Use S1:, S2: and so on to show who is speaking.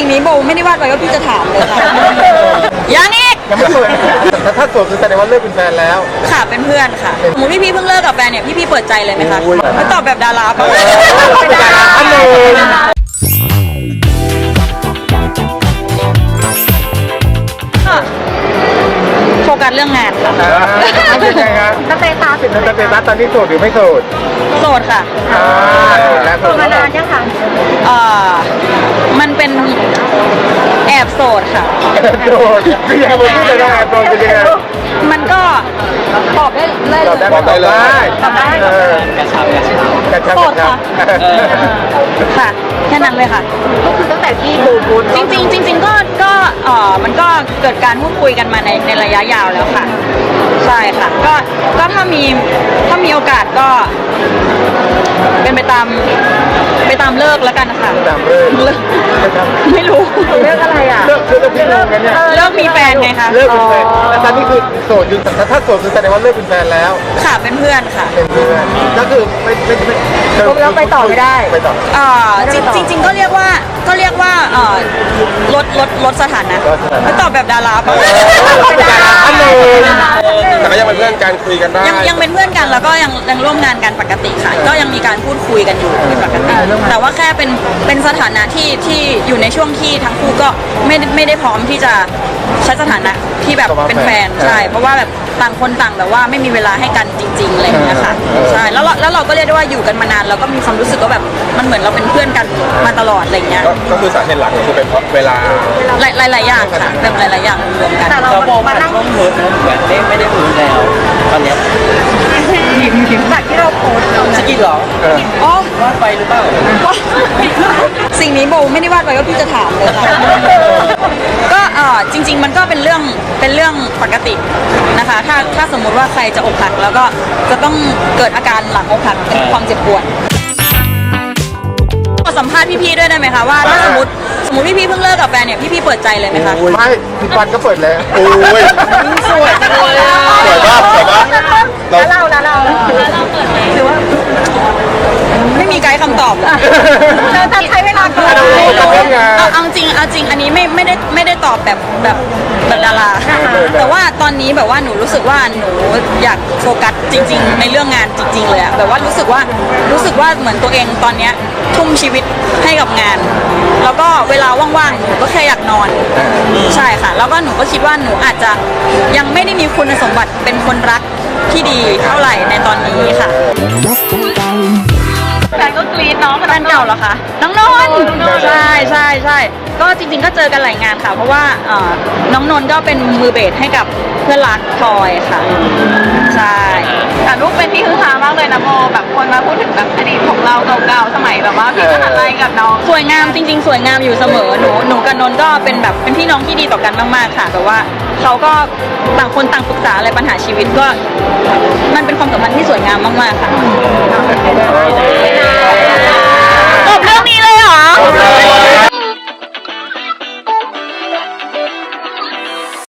S1: งนี้โบไม่ได้วาดไว้ว่าพี่จะถามเลยค่ะยังอีก
S2: ยังไม่เปิดแต่ถ้าโสดคือแสดงว่าเลิกเป็นแฟนแล้ว
S1: ค่ะเป็นเพื่อนค่ะสมมติพี่เพิ่งเลิกกับแฟนเนี่ยพี่เปิดใจเลยไหมคะไม่ตอบแบบดาราปะ
S2: เป็นดาราท่านหนึ่ง
S1: โฟกัสเรื่องงานค่ะ
S2: เป็นไงครับ
S3: สเตตัส
S2: สเตตัสตอนนี้โสดหรือไม่โสด
S1: โสดค่ะ
S2: โสดแล้ว
S3: โสดมานานยังคะ
S1: มันเป็นแอบโสดค่ะ
S2: โสดคือยังไงผมพูดเลยนะโสดเป็นยังไง
S1: มันก็ตอบได้เลย
S2: ตอบได้ไหมตอบได้กระชับ
S1: โสดค่ะค่ะแค่นั้นเลยค่ะ
S3: ก็คือตั้งแต่ที่บูบู
S1: จริงๆก็มันก็เกิดการพูดคุยกันมาในระยะยาวแล้วค่ะใช่ค่ะก็ถ้ามีโอกาสก็เป็นไปตามเลิกแล้วกันค่ะ
S2: ตามเลิก
S1: ไม่รู้
S3: เรื่องอะไรอ่ะ
S2: เลิกพี่งงกันเนี่ย
S1: เลิกมีแฟนไงคะ
S2: เลิกเป็นแฟนแล้วตอนนี้คือโสดอยู่แต่ถ้าโสดคือแสดงว่าเลิกเป็นแฟนแล้ว
S1: ค่ะเป็นเพื่อนค่ะ
S2: เป็นเพื่อนก็คือไม่
S3: ไปต่อไม่ได้
S2: ไปต่อ
S1: จริงๆก็เรียกว่าลดสถานะไม่ตอบแบบดาราปะ
S2: เป็นดาราท่านหนึ่ง
S4: แต่ก็ยังเป็นเพื่อนกันคุยกันได้
S1: ยังเป็นเพื่อนกันแล้วก็ยังร่วมงานกันปกติค่ะก็ยังมีการพูดคุยกันอยู่เป็นปกติแต่ว่าแค่เป็นสถานะที่อยู่ในช่วงที่ทั้งคู่ก็ไม่ได้พร้อมที่จะใช้สถานะที่แบบเป็นแฟนใช่เพราะว่าแบบต่างคนต่างแบบว่าไม่มีเวลาให้กันจริงๆอะไรอย่างเงี้ยค่ะใช่แล้วเราก็เรียกได้ว่าอยู่กันมานานเราก็มีความรู้สึกว่าแบบมันเหมือนเราเป็นเพื่อนกันมาตลอดอะไรอย่างเงี้ย
S4: ก็คือสาเหตุหลักก็คือเป็นเพราะเวลา
S1: หลายๆอย่างค่ะแบบหลายๆอย่างรวมกัน
S3: แต่เรามานั่ง
S5: ช่วงเฮิร์ตนะเหมือนไม่ได้รู้แล้วตอนเนี้ย
S3: จากที่เราโพสต์
S5: สกินเหรอ
S1: อ๋อ
S5: วาดไปหรือเปล่า
S1: สิ่งนี้โบไม่ได้วาดไว้ว่าพี่จะถามเลยค่ะก็จริง ๆ มันก็เป็นเรื่องปกตินะคะถ้าสมมุติว่าใครจะอกหักแล้วก็จะต้องเกิดอาการหลังอกหักเป็นความเจ็บปวดขอสัมภาษณ์พี่ๆด้วยได้ไหมคะว่าถ้าสมมติพี่เพิ่งเลิกกับแฟนเนี่ยพี่เปิดใจเลยไหมคะ
S2: ไม่ทุกวันก็เปิดแล้ว
S4: โอ้ย
S1: สวยจังเลยอะ
S4: สวยมากสวยมาก
S3: แล้วเรา
S1: หรือว่าไม่มีไกด์คำตอบเลย
S3: เราจะใช้เวลาก่อน
S1: เอาจริงอันนี้ไม่ได้ตอบแบบดาราแต่ว่าตอนนี้แบบว่าหนูรู้สึกว่าหนูอยากโฟกัสจริง ๆ ในเรื่องงานจริง ๆเลยอะแบบว่ารู้สึกว่าเหมือนตัวเองตอนเนี้ยทุ่มชีวิตให้กับงาน แล้วก็เวลาว่างๆหนูก็แค่อยากนอนใช่ค่ะแล้วก็หนูก็คิดว่าหนูอาจจะยังไม่ได้มีคุณสมบัติเป็นคนรักที่ดีเท่าไหร่ในตอนนี้ค่ะแฟนก็กรี๊ดน้องแฟนเก่าเหรอคะน้องนนท์ใช่ก็จริงๆก็เจอกันหลายงานค่ะเพราะว่าน้องนนท์ก็เป็นมือเบสให้กับเพื่อนรักทอยค่ะใช่แต่ลูกเป็นที่ฮือฮามากเลยนะโมแบบคนมาพูดถึงแบบอดีตของเราเก่าๆสมัยแบบว่าพี่มหาลัยกับน้องสวยงามจริงๆสวยงามอยู่เสมอหนูกับนนท์ก็เป็นพี่น้องที่ดีต่อกันมากๆค่ะแบบว่าเขาก็ต่างคนต่างปรึกษาอะไรปัญหาชีวิตก็มันเป็นความสัมพันธ์ที่สวยงามมากๆค่ะ